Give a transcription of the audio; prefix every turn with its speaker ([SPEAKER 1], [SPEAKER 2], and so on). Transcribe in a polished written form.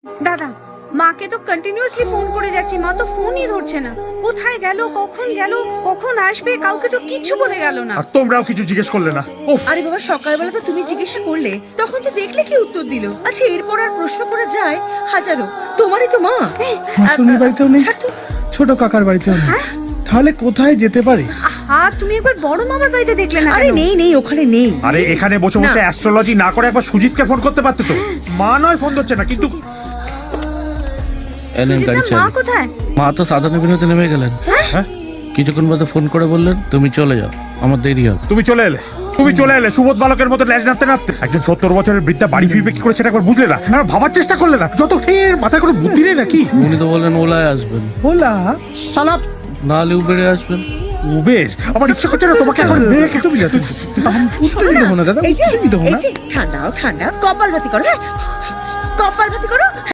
[SPEAKER 1] দাদা, মাকে তো কন্টিনিউয়াসলি ফোন করে যাচ্ছি, মা তো ফোনই ধরছে না। কোথায় গেল, কখন আসবে, কাউকে তো কিছু বলে গেল না।
[SPEAKER 2] আর তোমরাও কিছু জিজ্ঞেস করলে না। উফ,
[SPEAKER 3] আরে বাবা, সকালবেলা তো তুমি জিজ্ঞাসা করলে, তখন তো দেখলে কি উত্তর দিল। আচ্ছা, এরপর আর প্রশ্ন করা যায়? হাজারো। তোমারই তো মা।
[SPEAKER 4] মাসুমির বাড়িতেও নেই,
[SPEAKER 3] ছাড় তো।
[SPEAKER 4] ছোট কাকার বাড়িতেও নেই, তাহলে কোথায় যেতে পারে?
[SPEAKER 1] তুমি একবার বড় মামার বাড়িতে দেখলে না?
[SPEAKER 3] আরে নেই, ওখানে নেই।
[SPEAKER 2] আরে এখানে বসে বসে অ্যাস্ট্রোলজি না করে একবার সুজিতকে ফোন করতে পারতে তো। মা নয় ফোন ধরছে না, কিন্তু
[SPEAKER 1] মা কোথায়?
[SPEAKER 5] মা তো সাধারণ বিনোদে নেমে গেলেন।
[SPEAKER 2] হ্যাঁ?
[SPEAKER 5] কিছুক্ষণ বাদে ফোন করে বললেন তুমি চলে যাও, আমার দেরি হবে।
[SPEAKER 2] তুমি চলে এলে সুবোধ বালকের মতো ল্যাজ নাড়তে নাড়তে। একজন 70 বছরের বৃদ্ধা বাড়ি ফিরবে কি করে সেটা একবার বুঝলে না? আর ভাবার চেষ্টা করলে না? যত মাথায় কোনো বুদ্ধি নেই নাকি?
[SPEAKER 5] উনি তো বললেন ওলায় আসবেন,
[SPEAKER 4] ওলা
[SPEAKER 2] শালা
[SPEAKER 5] না হলে উবেরে আসবেন।
[SPEAKER 2] উবেশ, আমার ইচ্ছে করছে না তোমাকে এখন মেয়েকে।
[SPEAKER 4] তুমি যা, উঠতে দিতে হবে না দাদা,
[SPEAKER 3] এই যে
[SPEAKER 4] উঠতে দিতে হবে না।
[SPEAKER 3] ঠান্ডা কপাল ভাতি করো। হ্যাঁ, কপাল ভাতি করো।